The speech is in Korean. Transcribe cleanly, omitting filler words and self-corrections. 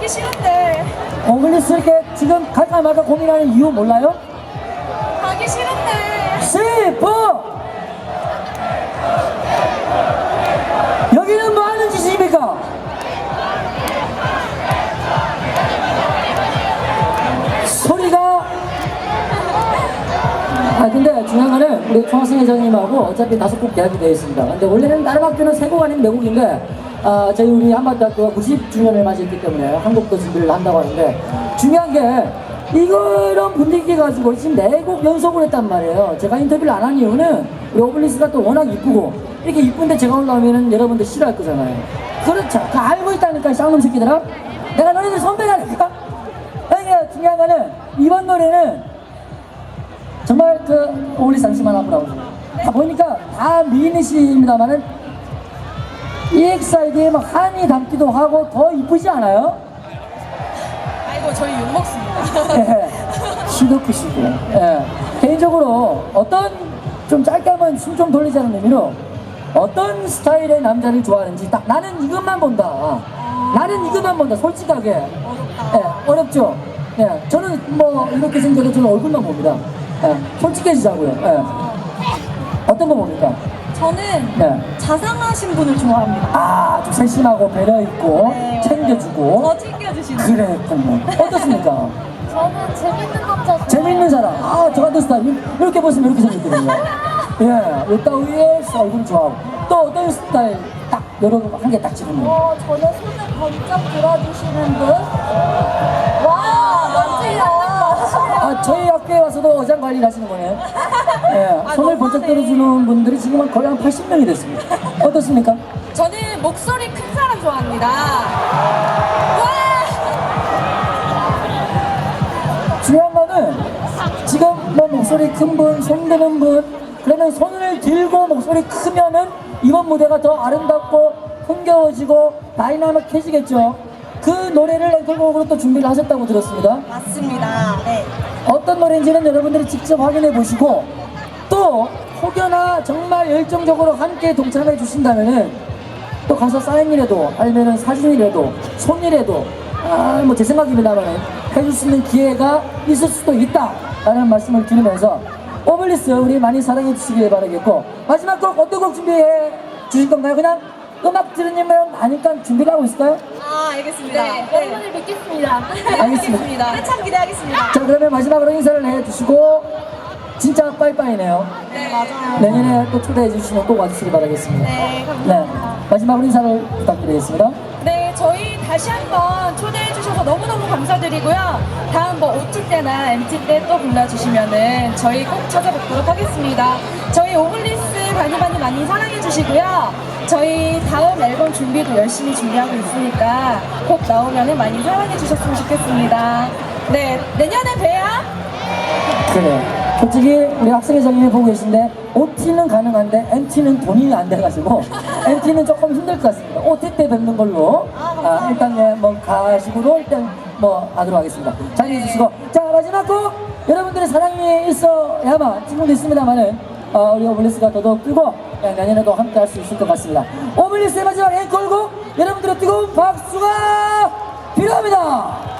싫은데. 오블리스 이렇게 지금 갈까 말까 고민하는 이유 몰라요? 가기 싫은데. 슬퍼! 여기는 뭐 하는 짓입니까? 소리가 근데 중요한 거는 우리 총학생 회장님하고 어차피 5곡 계약이 되어 있습니다. 근데 원래는 다른 학교는 3곡 아닌 4곡인데 저희 우리 한반도학교가 90주년을 맞이했기 때문에 한 곡 더 준비를 한다고 하는데 중요한 게 이런 분위기 가지고 지금 4곡 연속을 했단 말이에요. 제가 인터뷰를 안 한 이유는 우리 오블리스가 또 워낙 이쁘고 이렇게 이쁜데 제가 올라오면은 여러분들 싫어할 거잖아요. 그렇죠. 그 알고 있다니까 쌍놈 새끼들아. 내가 너네들 선배라니까. 그러니까 중요한 거는 이번 노래는 정말 그 오블리스 당시만 하더라고요. 다 보니까 다 미인이십니다만은 EXID에 막 한이 담기도 하고 더 이쁘지 않아요? 아이고 저희 욕 먹습니다. 예, 키도 크시고. 예. 개인적으로 어떤 좀 짧게 하면 숨 좀 돌리자는 의미로 어떤 스타일의 남자를 좋아하는지 딱 나는 이것만 본다. 나는 이것만 본다. 솔직하게. 예, 어렵죠? 예, 저는 뭐 이렇게 생겨서 저는 얼굴만 봅니다. 예, 솔직해지자고요. 예. 어떤 거 봅니까? 저는 네. 자상하신 분을 좋아합니다. 좀 세심하고 배려있고 네, 챙겨주고 더 챙겨주시는. 그랬군요. 어떻습니까? 저는 재밌는 남자 좋아해요. 재밌는 사람. 저 같은 스타일 이렇게 보시면 이렇게 생겼거든요. 예, 요따위에 얼굴 좋아하고 또 어떤 스타일 딱 여러 한 개 딱 집으면 저는 손을 번쩍 들어주시는 분. 와, 멋지다. 저희 학교에 와서도 어장 관리를 하시는 거네요. 예, 손을 번쩍 들어주는 분들이 지금 거의 한 80명이 됐습니다. 어떻습니까? 저는 목소리 큰 사람 좋아합니다. 중요한 거는 지금 뭐 목소리 큰 분, 손 드는 분 그러면 손을 들고 목소리 크면은 이번 무대가 더 아름답고 흥겨워지고 다이나믹해지겠죠. 그 노래를 앵콜곡으로 또 준비를 하셨다고 들었습니다. 맞습니다. 네. 어떤 노래인지는 여러분들이 직접 확인해 보시고 또 혹여나 정말 열정적으로 함께 동참해 주신다면은 또 가서 사인이라도 아니면은 사진이라도 손이라도 뭐 제 생각입니다만은 해줄 수 있는 기회가 있을 수도 있다라는 말씀을 드리면서 오블리스 우리 많이 사랑해 주시길 바라겠고 마지막 곡 어떤 곡 준비해 주실 건가요? 그냥 음악 들으면 아니까 준비를 하고 있을까요? 알겠습니다. 네, 여러분을 믿겠습니다. 알겠습니다. 한참 기대하겠습니다. 자 그러면 마지막으로 인사를 해주시고 진짜 빠이빠이네요. 네, 맞아요. 내년에 또 초대해 주시면 꼭 와주시기 바라겠습니다. 네, 감사합니다. 마지막으로 인사를 부탁드리겠습니다. 네, 저희 다시 한번 초대해 주셔서 너무너무 감사드리고요. 다음 뭐 OT 때나 MT 때 또 불러주시면은 저희 꼭 찾아뵙도록 하겠습니다. 저희 오블리스 많이 사랑해 주시고요. 저희 다음 앨범 준비도 열심히 준비하고 있으니까 꼭 나오면은 많이 사랑해 주셨으면 좋겠습니다. 네, 내년에 봬요. 그래. 솔직히 우리 학생회장님이 보고 계신데 OT는 가능한데 MT는 돈이 안 돼가지고 MT는 조금 힘들 것 같습니다. OT 때 뵙는 걸로 일단 뭐 가식으로 일단 뭐 하도록 하겠습니다. 자리해 주시고 자 마지막 곡 여러분들의 사랑이 있어야만 지금도 있습니다만은 우리 오블리스가 더더욱 뜨고 내년에도 함께 할 수 있을 것 같습니다. 오블리스의 마지막 앵콜곡 여러분들의 뜨거운 박수가 필요합니다.